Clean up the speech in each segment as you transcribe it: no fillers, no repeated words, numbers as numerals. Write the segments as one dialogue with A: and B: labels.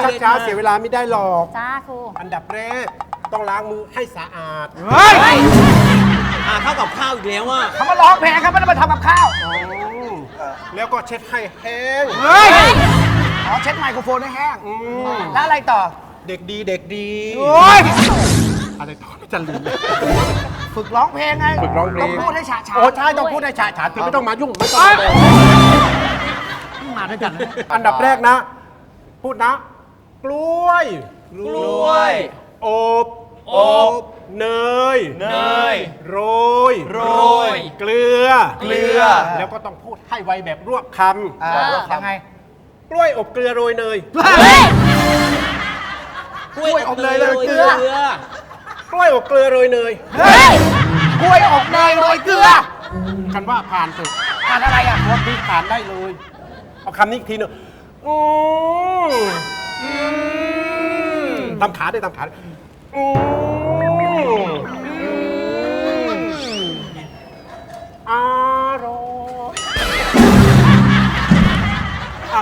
A: ช้าเสียเวลาไม่ได้หรอก
B: จ้าครู
A: อันดับแรกต้องล้างมือให้สะอาด
C: เฮ้ย
D: ข้าวกับข้าวอีกแล้วอ่ะ
C: เขามาร้องเพลงครับไม่ได้มาทำกับข้าว
A: แล้วก็เช็ดให้แห้ง
C: เฮ้ยอ๋อเช็ดไมโครโฟนให้แห้งแล้วอะไรต่อ
A: เด็กดีเด็กดี
C: โอ้ย
A: อะไรต่อไม่จะลืม
C: ฝึกร้องเพลงไง
A: ฝึกร้องเพลง
C: ต้องพูดให้ฉาฉา
A: โอ้ใช่ต้องพูดให้ฉาฉานคือไม่ต้องมายุ่งไม่ต้อง
C: มาด้วยกันนะ
A: อันดับแรกนะ พูดนะ กล้วย อบ เนย โรย เกลือ แล้วก็ต้องพูดให้ไวแบบรวบค
C: ยังไง
A: ำกล้วยอบเกลือโรยเนย
D: กล้วยอบเนยโรยเกลือ
A: กล้วยอบเกลือโรยเนย
C: เฮ้ยกล้วยอบเนยโรยเกลือ
A: คันว่าผ่านเถอะ
C: ทานอะไรอ่ะ
A: วันนี้ผ่านได้เลย เอาคำนี้อีกทีหนึ่งทำขาด้วยทำขาด้วยอร่อยอ่ะ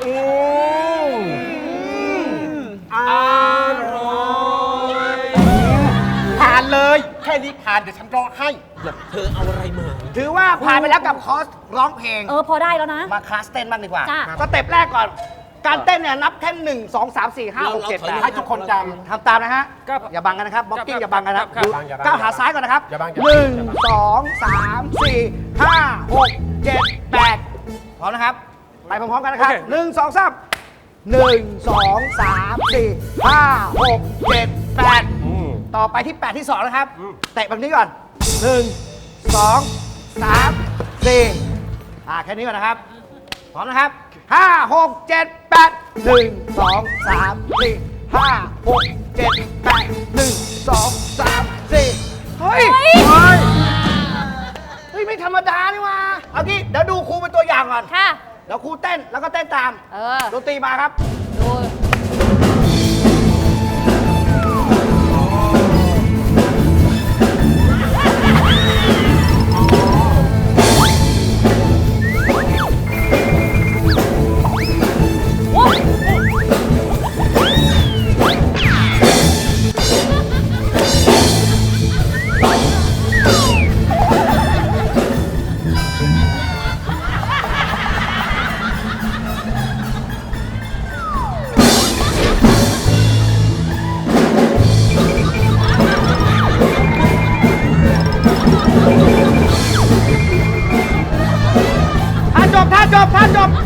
A: อร่อยผ่านเลย แค่นี้ผ่านเดี๋ยวฉันรอให้
D: เธอเอาอะไรมา
C: ถือว่าผ่านไปแล้วกับคอร์สร้องเพลง
B: พอได้แล้วนะ
C: มาคลาสเต้นบ้างดีกว่า
B: จ้ะ
C: สเต็ปแรกก่อน การเต้นเนี่ยนับแค่1 2 3 4 5 6 7 8
A: ให้ทุกคนจ
C: ทำตามนะฮะ อย่าบังกันนะครับบ็อกกิ้งอย่าบังกันนะครับ
A: ครับ
C: ดู
A: อย่าบัง
C: ก้าวหาซ้ายก่อนนะครับ
A: อย่าบัง
C: 1 2 3 4 5 6 7 8พร้อมนะครับ ไปพร้อมๆกันนะครับ 1 2 3 1 2 3 4 5 6 7 8ต่อไปที่ 8 ที่ 2 นะครับ เตะแบบนี้ก่อน 1 2 3 4แค่นี้ก่อนนะครับ พร้อมนะครับ 5 6 7 8 1 2 3 4 5 6 7 8 1 2 3 4เฮ้ย ไม่ธรรมดานี่หว่าเอางี้เดี๋ยวดูครูเป็นตัวอย่างก่อน
B: ค่ะ
C: เดี๋ยวครูเต้นแล้วก็เต้นตาม ดนตรีมาครับ
B: ดู
C: ท่าจบ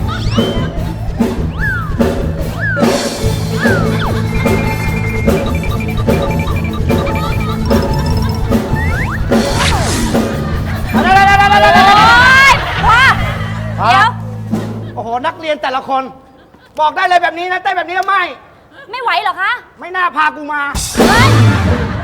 C: โอ้โห นักเรียนแต่ละคน บอกได้เลยแบบนี้นะเต้นแบบนี้ไม่
B: ไม่ไหวเหรอคะ
C: ไม่น่าพากูมา
B: เฮ้ย